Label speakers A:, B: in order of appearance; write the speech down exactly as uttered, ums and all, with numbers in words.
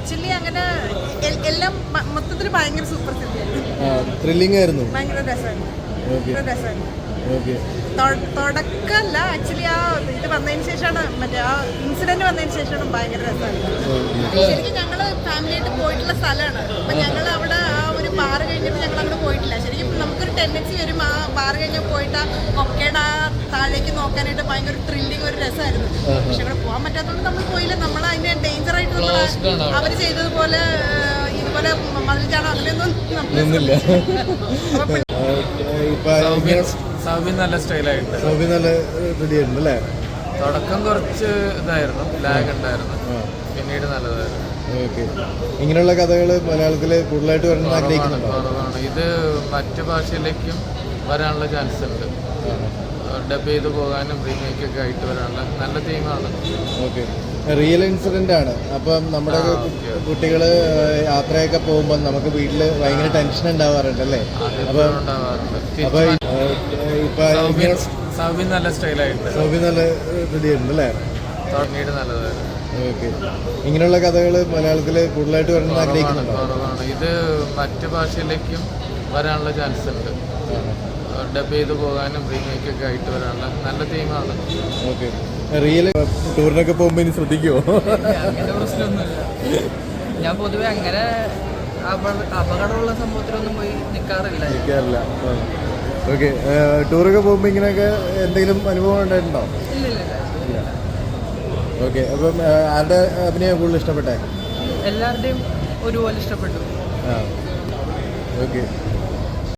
A: Actually അങ്ങനെ എല്ലാം മൊത്തത്തിൽ ഭയങ്കര സൂപ്പർ സിനിമയായിരുന്നു.
B: ത്രില്ലിംഗ് ആയിരുന്നു.
A: ഭയങ്കര രസമായിരുന്നു. രസമായിരുന്നു. തുടക്കമല്ല ആക്ച്വലി ആ ഇത് വന്നതിന് ശേഷമാണ് മറ്റേ ആ ഇൻസിഡന്റ് വന്നതിന് ശേഷമാണ് ഭയങ്കര രസമായിരുന്നു. ശരിക്കും ഞങ്ങള് ഫാമിലിയായിട്ട് പോയിട്ടുള്ള സ്ഥലമാണ്. അപ്പൊ ഞങ്ങൾ അവിടെ ആ ഒരു ബാർ കഴിഞ്ഞിട്ട് ഞങ്ങൾ അങ്ങോട്ട് പോയിട്ടില്ല. ശരിക്കും നമുക്കൊരു ടെൻഡൻസി വരും ആ ബാർ കഴിഞ്ഞാൽ പോയിട്ട് ആ കൊക്കയുടെ ആ താഴേക്ക് നോക്കാനായിട്ട് ഭയങ്കര ത്രില്ലിങ് ഒരു രസമായിരുന്നു. പക്ഷെ അവിടെ പോകാൻ പറ്റാത്തതുകൊണ്ട് നമ്മൾ പോയില്ല. നമ്മൾ അതിന്റെ ഡേഞ്ചർ ആയിട്ട് നമ്മൾ അവര് ചെയ്തതുപോലെ ഇതുപോലെ മതിൽ ചാടോ അങ്ങനെയൊന്നും
B: നിന്നില്ല.
C: സൗബിൻ നല്ല സ്റ്റൈലായിട്ട്
B: സൗബിൻ നല്ല റെഡിയായിരുന്നു അല്ലേ?
C: തുടക്കം കുറച്ച് ഇതായിരുന്നു, ലാഗ് ഉണ്ടായിരുന്നു, പിന്നീട് നല്ലതായിരുന്നു.
B: ഓക്കെ, ഇങ്ങനെയുള്ള കഥകൾ മലയാളത്തിൽ കൂടുതലായിട്ട് വരണം ആഗ്രഹിക്കുന്നുണ്ടോ?
C: കുറവാണ്. ഇത് മറ്റു ഭാഷയിലേക്കും വരാനുള്ള ചാൻസ് ഉണ്ട്. ഡബ് ചെയ്ത് പോകാനും റീമേക്കൊക്കെ ആയിട്ട് വരാനുള്ള നല്ല തീമാണ്.
B: ഓക്കെ, റിയൽ ഇൻസിഡന്റ് ആണ്. അപ്പം നമ്മുടെ കുട്ടികൾ യാത്രയൊക്കെ പോകുമ്പോൾ നമുക്ക് വീട്ടിൽ ഭയങ്കര ടെൻഷൻ ഉണ്ടാവാറുണ്ട് അല്ലേ? അപ്പം അപ്പൊ ഇപ്പൊ
C: സൗബിൻ നല്ല സ്റ്റൈലായിട്ട്
B: സൗബിൻ നല്ല റെഡിയായിരുന്നു അല്ലേ?
C: പിന്നീട് നല്ലതായിരുന്നു.
B: ഓക്കെ, ഇങ്ങനെയുള്ള കഥകൾ മലയാളത്തിൽ കൂടുതലായിട്ട് വരണം ആഗ്രഹിക്കുന്നുണ്ടോ?
C: കുറവാണ്. ഇത് മറ്റു ഭാഷയിലേക്കും വരാനുള്ള ചാൻസ് ഉണ്ട്. ഡബ് ചെയ്ത് പോകാനും റീമേക്കൊക്കെ ആയിട്ട് വരാനുള്ള നല്ല തീമാണ്.
B: ഓക്കെ, റിയൽ ടൂറിനൊക്കെ പോകുമ്പോൾ ഇനി ശ്രദ്ധിക്കുമോ?
D: അങ്ങനെ പ്രശ്നമൊന്നുമില്ല. ഞാൻ പൊതുവെ അങ്ങനെ അപകടമുള്ള സംഭവത്തിലൊന്നും പോയി നിൽക്കാറില്ല
B: നിൽക്കാറില്ല ഓക്കെ, ടൂറൊക്കെ പോകുമ്പോൾ ഇങ്ങനെയൊക്കെ എന്തെങ്കിലും അനുഭവം ഉണ്ടായിട്ടുണ്ടോ?
D: ഇല്ല ഇല്ല ഇല്ല.
B: ഓക്കെ, അപ്പം ആരുടെ അഭിനയം കൂടുതൽ ഇഷ്ടപ്പെട്ടെ?
D: എല്ലാവരുടെയും ഒരുപോലെ ഇഷ്ടപ്പെട്ടു.
B: ആ ഓക്കെ.